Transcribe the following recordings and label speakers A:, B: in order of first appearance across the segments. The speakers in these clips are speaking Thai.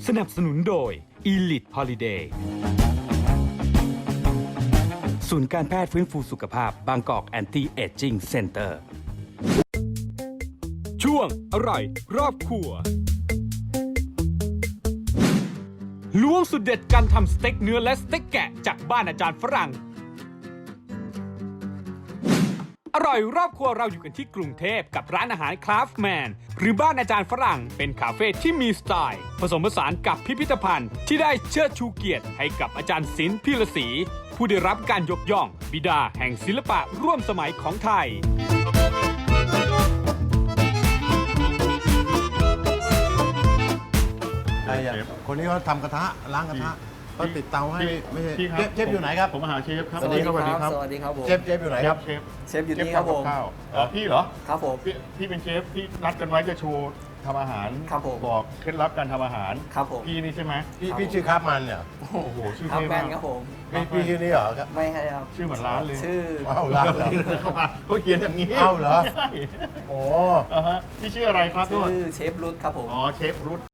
A: สนับสนุนโดย Elite Holiday ศูนย์การแพทย์ฟื้นฟูสุขภาพบางกอกแอนตี้เอจจิ้งเซ็นเตอร์ช่วงอร่อยรอบครัวล้วงสุดเด็ดการทำสเต็กเนื้อและสเต็กแกะจากบ้านอาจารย์ฝรั่งอร่อยรอบครัวเราอยู่กันที่กรุงเทพกับร้านอาหารคราฟแมนหรือบ้านอาจารย์ฝรั่งเป็นคาเฟ่ที่มีสไตล์ผสมผสานกับพิพิธภัณฑ์ที่ได้เชิดชูเกียรติให้กับอาจารย์ศิลป์พิรศรีผู้ได้รับการยกย่องบิดาแห่งศิลปะร่วมสมัยของไทย
B: คนนี้เขาทำกระทะล้างกระทะเขาติดเตาให้ไม่ใช่
C: พี่ครับ
B: เชฟอยู่ไหนครับ
C: ผมมาหาเชฟครับ
B: สวัสดีครับ
D: สวัสดีครับผม
B: เชฟอยู่ไหนครับ
C: เชฟ
D: เชฟอยู่นี่ครับผม
C: ข้าวพี่เหรอ
D: ครับผม
C: พี่เป็นเชฟที่นัดกันไว้จะโชว์ทำอาหาร
D: ครับผม
C: บอกเคล็ดลับการทำอาหาร
D: ครับผม
C: พี่นี่ใช่ไหม
B: พี่ชื่อครับมันเนี่ย
C: โอ้โหชื่อ
D: ครั
C: เท่
D: บแม
C: มาก
D: นครับผม
B: พี่ชื่อนี้เหรอครับ
D: ไม่ใช่ครับ
C: ชื่อเหมือนร้านเลย
D: ชื่อ
B: เอาร้านเหรอ
C: เข้ามาเขาเขียนอย่างนี้
B: เอ้าเหรอ
C: ใช่
B: โอ้
C: ฮะพี่ชื่ออะไรครับ
D: ชื่
C: โทษ
D: อเชฟรุทครับผม
C: อ๋อเชฟรุท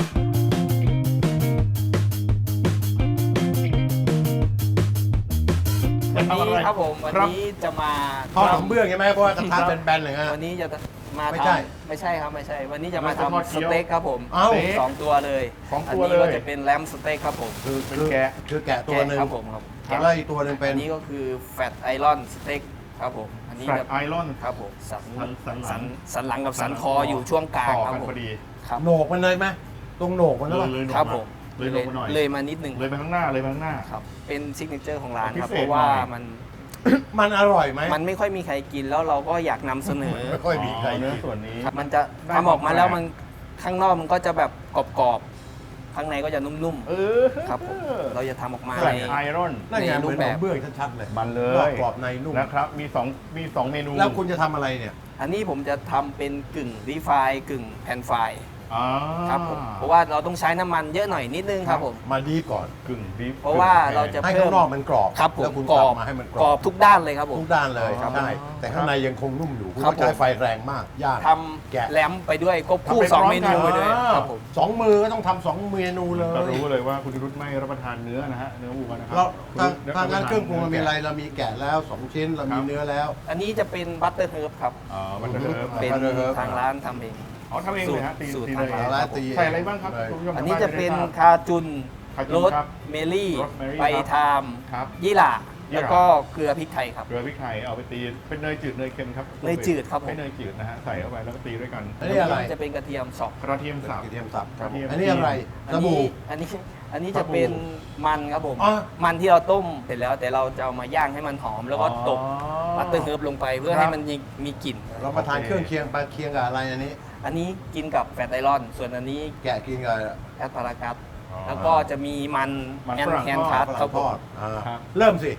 D: วันนี้ครับผมวันนี้จะมา
B: ทอดขนมเบื้องใช่ไหมเพราะว่ากระทะเป็นแบนๆเลยฮะ
D: วันนี้จะมา
B: ไม่
D: ท
B: ใช่
D: ำไม่ใช่ครับไม่ใช่ วันนี้จะมาทำสเต็กครับผม
B: เอ้า
D: สองตัวเลย
C: สอง
D: อัน
C: ตัว
D: นี้
C: เล
D: ก็
C: ย
D: จะเป็นแรมสเต็กครับผม
C: เป็นแกะ
B: คือแกะตัวหนึ่ง
D: ครับผมครับแกะ
B: แล้วอีกตัวหนึ่งเป็น
D: อันนี้ก็คือแฟตไอรอนสเต็กครับผมอันนี้
C: แฟล
D: แบ
C: ต
D: บ
C: ไอรอน
D: ครับผมสัน
C: สันหลัง
D: สันหลังกับสันคออยู่ช่วงกลาง
C: ต่อ
D: ครับ
C: กัน
D: ผม
C: พอดี
D: ครับ
B: โหนกมันเลยไหมตรงโหนกมันแล้วป่ะ
C: เลยลง
D: ครับ
C: มา
D: ผม
C: เลยลงมาหน่อย
D: เลยมานิดนึง
C: เลยไปข้างหน้าเลยไปข้างหน้า
D: ครับเป็นซิกเนเจอร์ของร้านครับ
C: พิเศษ
D: เพราะว่า
C: หน่อย
D: มัน
B: มันอร่อยไหม
D: มันไม่ค่อยมีใครกินแล้วเราก็อยากนำเสนอ
B: ไม่ค่อยมีใคร
C: เนื้อ
B: กิน
C: ส่วนนี้
D: ครับมันจะ
C: ได้
D: ทำออกมาแล้ว
C: ความแปลก
D: มันข้างนอกมันก็จะแบบกรอบๆข้างในก็จะนุ่ม
C: เออ
D: ๆครับผมเราจะทำออกมา
C: แฟล
D: ใน
C: ตไอรอน
B: นั่นไง
D: ใน
B: เห
D: รู
B: มือ
D: ป
B: นข
D: แบ
B: น
D: บ
B: มเบื้องชัดๆเลย
C: มันเล
B: นอย กกรอบในนุ่ม
C: นะครับมีสองเมนู
B: แล้วคุณจะทำอะไรเนี่ย
D: อันนี้ผมจะทำเป็นกึ่งรีไฟกึ่งแผ่นไฟ
C: อ่า
D: ครับผมเพราะว่าเราต้องใช้น้ำมันเยอะหน่อยนิดนึงครับผม
B: มาดีก่อน
C: กึ่งดิฟ
D: เพราะว่าเราจะ
B: ให้
D: เพิ่
B: ข้าม งนอกมันกรอบ
D: ครับผม
B: แล้วคุณ
D: ก
B: ก
D: ร
B: ลั
D: อ
B: บบ มาให้มันก
D: ก
B: ร
D: ร
B: อ
D: อ
B: บบ
D: ทุกด้านเลยครับผม
B: ทุกด้านเลย
D: ครับ
B: ใช่แต่ข้างในยังคงนุ่มอยู่คุณ
D: ครับ
B: ต้องใช้
D: ผม
B: ไฟแรงมากยาก
D: ท
B: แกะ
D: ำแรมไปด้วยควบคู่สองเมนูไปด้วยครับผม
B: สองมือก็ต้องทำสองเมนูเลย
C: เรารู้เลยว่าคุณรุตไม่รับประทานเนื้อนะฮะเนื้อวัวนะครั
B: เรา
C: คุณ
B: ทางร้านเครื่องปรุงเรามีอะไร
C: แกะ
B: เรามีแกะแล้วสองชิ้นเรามีเนื้อแล้ว
D: อันนี้จะเป็นบัตเตอร์เฮิร์บครับ
C: อ๋อมันจะเฮิร์บ
D: เป็น
B: Butter herb
D: ทางร้านทำเอง
C: อ๋อทำเองเลยฮะตี
D: สูตร
C: ตี
D: ทาง
C: เลย
D: ร้าน
B: ตี
C: ใส่อะไรบ้างครับ
B: เลย
C: คุณผู้ชม
D: อันนี้จะเป็น
C: ทางบ้า
D: คาจุน
C: คาจุ
D: โร
C: น
D: ส
C: ครับ
D: เมลี่
C: โรสแมรี่
D: ใบทาม
C: ครับ
D: ยี่หร่า
C: ยี่หร่า
D: แล้วก็เกลือพริกไทยครับ
C: เกลือพริกไทยเอาไปตีเป็นเนยจืดเนยเค็มครับ
D: เนยจืดครับผม
C: ไม่เนยจืดนะฮะใส่เข้าไปแล้วก็ตีด้วยกัน
B: อันนี้อะไร
D: จะเป็นกระเทียมสับ
C: กระเทียมสับ
B: กระเทียมสับ
C: กระเทียม
B: อันนี้อะไร
D: อั
B: สบู่
D: อันนี้จะเป็นมันครับผม
B: อ๋อ
D: มันที่เราต้มเสร็จแล้วแต่เราจะเอามาย่างให้มันหอม แล้วก็ตบ
C: อ๋อ
D: บัตเตอร์เฮิร์บลงไปเพื่อ
C: ครับ
D: ให้มันมีกลิ่น
B: เรามาทานเครื่องเคียงไปเคียงกับอะไรอันนี้
D: อันนี้กินกับแฟตไอรอน ส่วนอันนี้
B: แกะกินกับ
D: แอสพารากัส
C: อ๋อ
D: แล้วก็จะมีมัน
C: มัน
D: แอน
C: ฝรั่ง
D: แฮน
C: ทอด
D: ทัส
B: ฝ
D: ครั
B: รั่
D: บ
B: ง
D: ผ
B: ทอ
D: ม
B: ดอ่า
C: ครับ
B: เริ่มสิ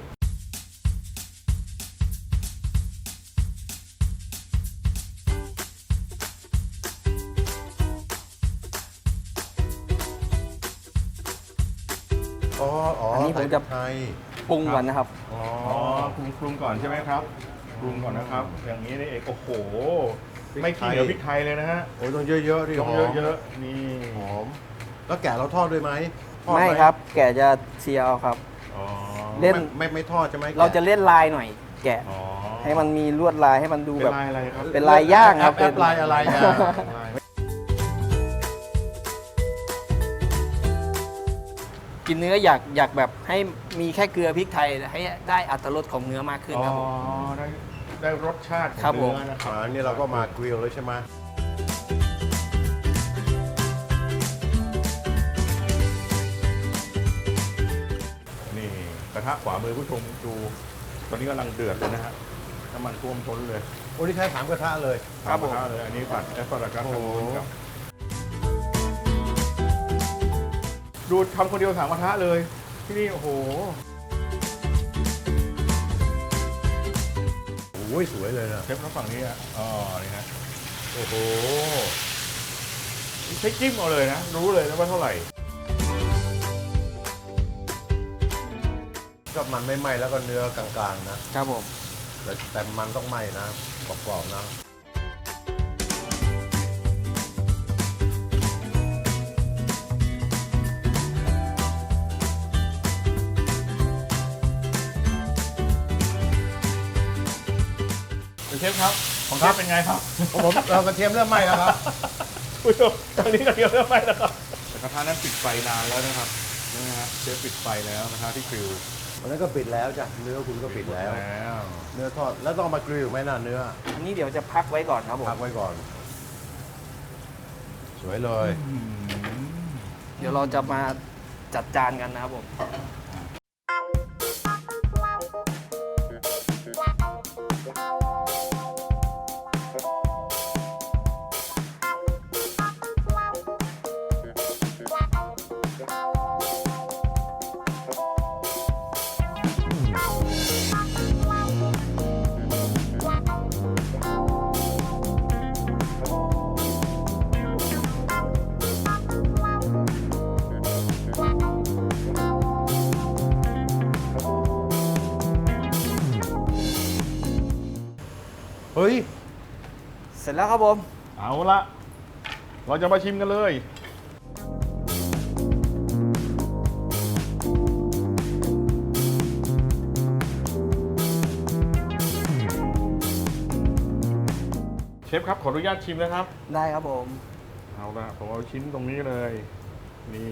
B: อ๋ออั
D: นนี้ผมจะ
B: ไทย
D: ปรุงก่อนนะครับ
B: อ๋อ
C: อ๋อปรุงก่อนใช่ไหมครับปรุงก่อนนะครับ อย่างนี้นี่เองโอ้โห ไม่ขี้เหนียวพริกไทยเลยนะฮะ
B: โอ้ยต้องเยอะๆดิ
C: ต้อง
B: หอม
C: เยอะๆนี่
B: หอม แล้วแกะเราทอดด้วยไหมทอดห
D: ไม่ครับ แกะจะเชียวครับ
C: อ๋อ
D: เล่น
B: ไม่ทอดใช่ไหม
D: เราจะเล่นลายหน่อย แกะ
C: อ๋อ
D: ให้มันมีลวดลายให้มันดู
C: เป็น
D: แบบ
C: ลายอะไรครับ
D: เป็นลายย่างครับ
B: แอปลายอะไรอ่ะ
C: ลาย
D: กินเนื้ออยากแบบให้มีแค่เกลือพริกไทยให้ได้อรรถรสของเนื้อมากขึ้น
C: อ๋อ
D: ครับผม
C: ได้รสชาติของ
D: ครับผม
C: เนื้อนะครับ
B: อันนี้เราก็มากริลแล้วใช่ไหม
C: นี่กระทะขวามือผู้ชมดูตอนนี้กำลังเดือดเลยนะฮะน้ำมันท่วมท้นเลย
B: โอ้นี่ใช้3กระทะเลย
D: ครับผม
C: กะทะเลยอันนี้ผัดแอสพารากัส
B: โอ้โห
C: ครับดูทำคนเดียว3กระทะเลย ที่นี่โอ้โห
B: โอ้ยสวยเลยนะ
C: เชฟทางฝั่งนี้อ่ะอ๋อนี่นะ
B: โอ้โห
C: ใช้จิ้มเอาเลยนะ รู้เลยนะว่าเท่าไหร่
B: ก็มันไม่ไหม้แล้วก็เนื้อกลางๆนะครับ
D: ผม
B: แต่มันต้องไหม้นะกรอบๆนะ
C: นชฟครับ ของเชฟเป็นไงครับ
B: ผมเรากระเทียมเริ่มไหม้แล้วครับ
C: ผู้ชมตอนนี้กระเทียมเริ่มไหม้แล้วครับแต่กระทะนั้นปิดไฟนานแล้วนะครับนี่นะฮะเชฟปิดไฟแล้วกระทะที่กริล
B: วันนั้นก็ปิดแล้วจ้ะเนื้อคุณก็ปิดแล้ว เนื้อทอดแล้วต้องมากริลไหมน่ะเนื้อ
D: อันนี้เดี๋ยวจะพักไว้ก่อนครับผม
B: พักไว้ก่อน สวยเลย
D: เดี๋ยวเราจะมาจัดจานกันนะครับผม
B: เฮ้ย
D: เสร็จแล้วครับผม
C: เอาละเราจะมาชิมกันเลยเชฟครับขออนุญาตชิมนะครับ
D: ได้ครับผม
C: เอาละผมเอาชิ้นตรงนี้เลย นี่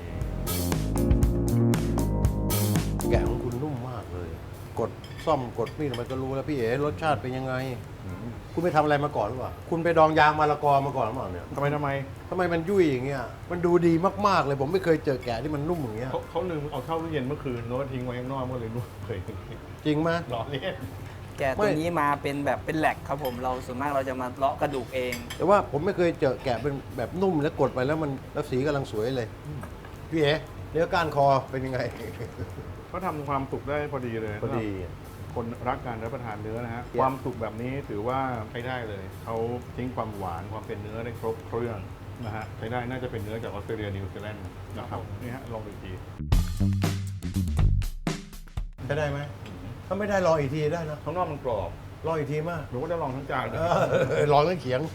B: แกะของคุณนุ่มมากเลย กดซ่อมกดมีดมันก็รู้แล้วพี่เอ๋รสชาติเป็นยังไง คุณไปทำอะไรมาก่อนหรือเปล่าคุณไปดองยางมะละกอมาก่อนหรือเปล่าเนี่ย
C: ทำไม
B: ทำไมมันยุ่ยอย่างเงี้ยมันดูดีมากๆเลยผมไม่เคยเจอแกะที่มันนุ่มอย่างเงี้ย
C: เขาลืมเอาเข้าตู้เย็นเมื่อคืนแล้วก็ทิ้งไว้ข้างนอกเมื่อเลยนุ่มเลย
B: จริงไหม
C: หล่อเล่น
D: แกะตัวนี้มาเป็นแบบเป็นแหลกครับผม เราส่วนมากเราจะมาเลาะกระดูกเอง
B: แต่ว่าผมไม่เคยเจอแกะเป็นแบบนุ่มแล้วกดไปแล้วมันแล้วสีกำลังสวยเลยพี่เอ๋เนื้อก้านคอเป็นยังไง
C: เขาทำความสุกได้พอดีเลย
B: พอดี
C: คนรักการรับประทานเนื้อนะฮะ
B: เยี่ยม
C: ความสุกแบบนี้ถือว่าใช้ได้เลยเขาทิ้งความหวานความเป็นเนื้อได้ครบเครื่องนะฮะใช้ได้น่าจะเป็นเนื้อจากออสเตรเลียนิวซีแลนด์นะครับนี่ฮะลองดูอีกที
B: ใช้ได้ไหมถ้าไม่ได้ลองอีกทีได้นะ
C: ข้างนอกมันกรอบ
B: ลองอีกทีมาก
C: หรือว่าจะลองทั้งจานเลย
B: ลองทั้งเขียง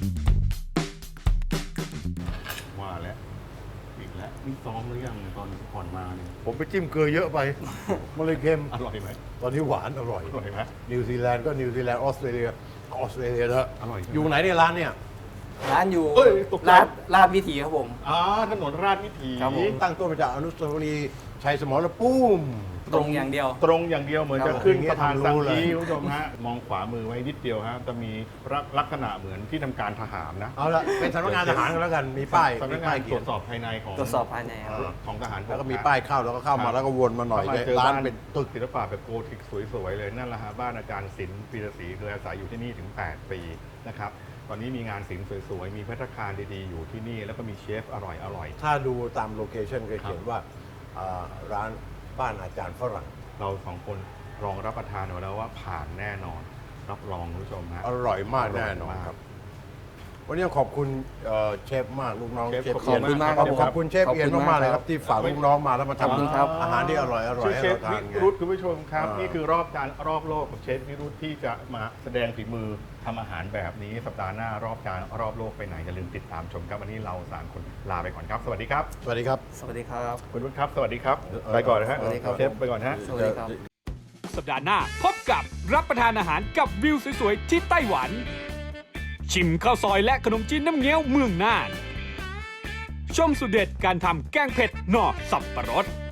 C: ว่าแล้วอีกแล้วนี่ซ้อมหรือยังตอนก่อนมาเนี่ย
B: ผมไปจิ้มเกลือเยอะไป มันเลยเค็ม
C: อร่อยไหม
B: ตอนนี้หวานอร่อย
C: อร่อยไหม
B: นิวซีแลนด์ก็นิวซีแลนด์ออสเตรเลียก็ออสเตรเลียเถอะ
C: อร่อยใช่ไหม
B: อยู่ไหนในยร้านเนี่ย
D: ร้านอยู่
C: เอ้ยตกใจ
D: ลาดวิถีครับผม
C: ถนนราชวิถี
D: ครับผม
B: ตั้งต้นมาจากอนุสาวรีย์ชัยสมรภูมิ
D: ตรงอย่างเดียว
C: ตรงอย่างเดียวเหมือน
B: ครั
C: จะ
B: บ
C: ขึ้น
B: อย่างเงี้ย
C: สะพาน
B: ทำรู้
C: สัง
B: เลย
C: กีคุณผู้ชมฮะมองขวามือไว้นิดเดียวฮะจะมีลักษณะเหมือนที่ทำการทหารนะ
B: เอาละเป็นสำนักงานทหารกันแล้วกัน มีป้าย
C: สำนัก
B: มี
C: งา
B: ป้าน ย
C: ต
B: เขี
C: ร
B: ยว น
C: จสอบภายในของ
D: ตรวจสอบภายในครับ
C: ของทหารบ
B: แล้วก็มีป้ายเข้าแล้วก็เข้ามาแล้วก็วนมาหน่อย
C: เข้ามาเจอ
B: ร้าน
C: บ้าน
B: เป็นตึก
C: ศิลปะแบบโกธิกสวยๆเลยนั่นแหละฮะบ้านอาจารย์ศิลป์ปีระศรีเคยอาศัยอยู่ที่นี่ถึง 8 ปีนะครับตอนนี้มีงานศิลป์สวยๆมีภัตตาคารดีๆอยู่ที่นี่แล้วก็มีเชฟอร่อย
B: ถ้าดูตามโลเคชั่นก็เขียนว่าร้านบ้านอาจารย์ฝรั่ง
C: ๆเราสองคนลองรับประทานเอาแล้วว่าผ่านแน่นอนรับรองคุณผู้ชมฮะ
B: อร่อยมาก
C: อร่อย
B: แน่นอน
C: มาก
B: ครับ วันนี้ขอบคุณเชฟมากลูกน้อง
C: เชฟ
B: เชฟ
C: ขอบคุณ
B: เอียน
C: มาก
D: ครับ
B: ขอบคุณเชฟเอียนมากๆเลยครับที่ฝากลูกน้องมาแล้วมา
D: ขอบคุณครับ
B: ทำอาหารที่อร่อย
C: ชื่อ
B: ให้
C: เชฟ
B: เราทาน
C: วิ
B: ไง
C: รุธคุณผู้ชมครับ
B: อ่านี่
C: นี่คือรอบโลกของเชฟวิรุธที่จะมาแสดงฝีมือทำอาหารแบบนี้สัปดาห์หน้ารอบโลกไปไหนอย่าลืมติดตามชมครับวันนี้เรา3คนลาไปก่อนครับ สวัสดีครับ
B: สวัสดีครับ
D: สวัสดีครับ
C: คุณวุฒิครับ สวัสดีครับไปก่อนนะฮะ
D: สวัสดีครับ
C: เชฟไปก่อนฮะ
D: สวัสดีครับ
A: สัปดาห์หน้าพบกับรับประทานอาหารกับวิวสวยๆที่ไต้หวัน ชิมข้าวซอยและขนมจีนน้ำเงี้ยวเมืองน่าน ชมสุดเด็ดการทำแกงเผ็ดหน่อสับปะรด